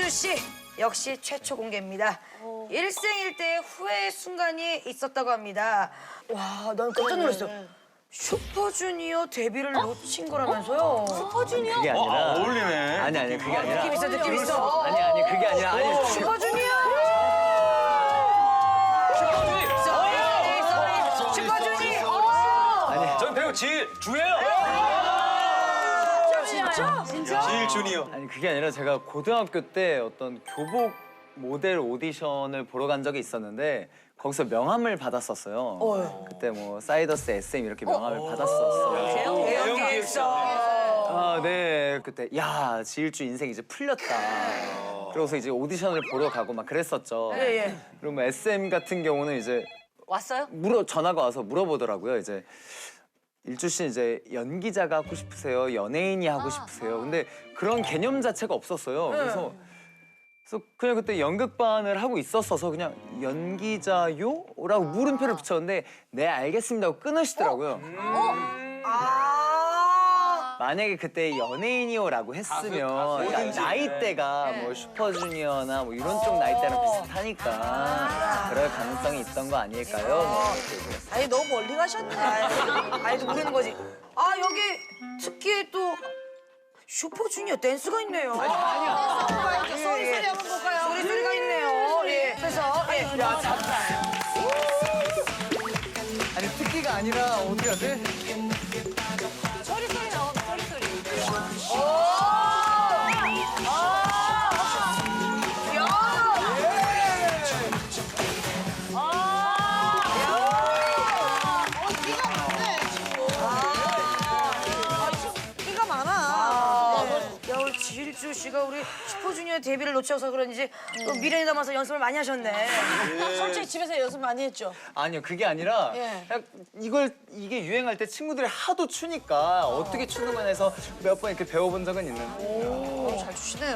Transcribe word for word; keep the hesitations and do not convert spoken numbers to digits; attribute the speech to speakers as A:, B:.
A: 질주 씨 역시 최초 공개입니다. 일생일대의 후회의 순간이 있었다고 합니다. 와, 난 깜짝 놀랐어. 슈퍼주니어 데뷔를 놓친 거라면서요? 슈퍼주니어?
B: 그게 아니라
C: 아, 어울리네.
B: 아니 아니 그게 아니라
A: 느낌 있어, 느낌 있어.
B: 아니 아니 그게 아니라 아니
A: 슈퍼주니어! 슈퍼주니!
B: 아니
C: 전 배우 지 주예요.
A: 진짜? 진짜?
C: 지일 주니어.
B: 아니 그게 아니라 제가 고등학교 때 어떤 교복 모델 오디션을 보러 간 적이 있었는데 거기서 명함을 받았었어요. 그때 뭐 사이더스 에스엠 이렇게 명함을 받았었어요.
A: 대형기 있어.
B: 아, 네. 그때 야, 지일주 인생 이제 풀렸다. 그러고서 이제 오디션을 보러 가고 막 그랬었죠.
A: 예, 예.
B: 그리고 뭐 에스엠 같은 경우는 이제
A: 왔어요?
B: 물어 전화가 와서 물어보더라고요. 이제 일주 씨 이제 연기자가 하고 싶으세요? 연예인이 하고 싶으세요? 근데 그런 개념 자체가 없었어요. 그래서 그래서 그냥 그때 연극반을 하고 있었어서 그냥 연기자요? 라고 물음표를 붙였는데 네 알겠습니다 하고 끊으시더라고요.
A: 아.
B: 만약에 그때 연예인이요라고 했으면 그러니까 나이대가 뭐 슈퍼주니어나 뭐 이런 쪽 나이대랑 비슷하니까 그럴 가능성이 있던 거 아닐까요? 뭐 이렇게 얘기했어요.
A: 아니, 너무 멀리 가셨네. 아니, 또 모르는 거지. 아, 여기 특히 또 슈퍼주니어 댄스가 있네요. 아니야. 소리 소리 한번 볼까요? 소리 소리가 있네요. 예. 그래서 예.
B: 아니 특기가 아니라 어떻게 하지?
A: 소리 소리 나와. 소리 소리. 오! 아! 야! 끼가 많아. 야, 우리 지일주 씨가 우리 슈퍼주니어 데뷔를 놓쳐서 그런지 또 미련이 남아서 연습을 많이 하셨네.
D: 솔직히 집에서 연습 많이 했죠?
B: 아니요 그게 아니라
D: 예.
B: 그냥 이걸 이게 유행할 때 친구들이 하도 추니까 어떻게 추는 거냐 해서 몇 번 이렇게 배워본 적은 있는데
A: 잘 추시네요.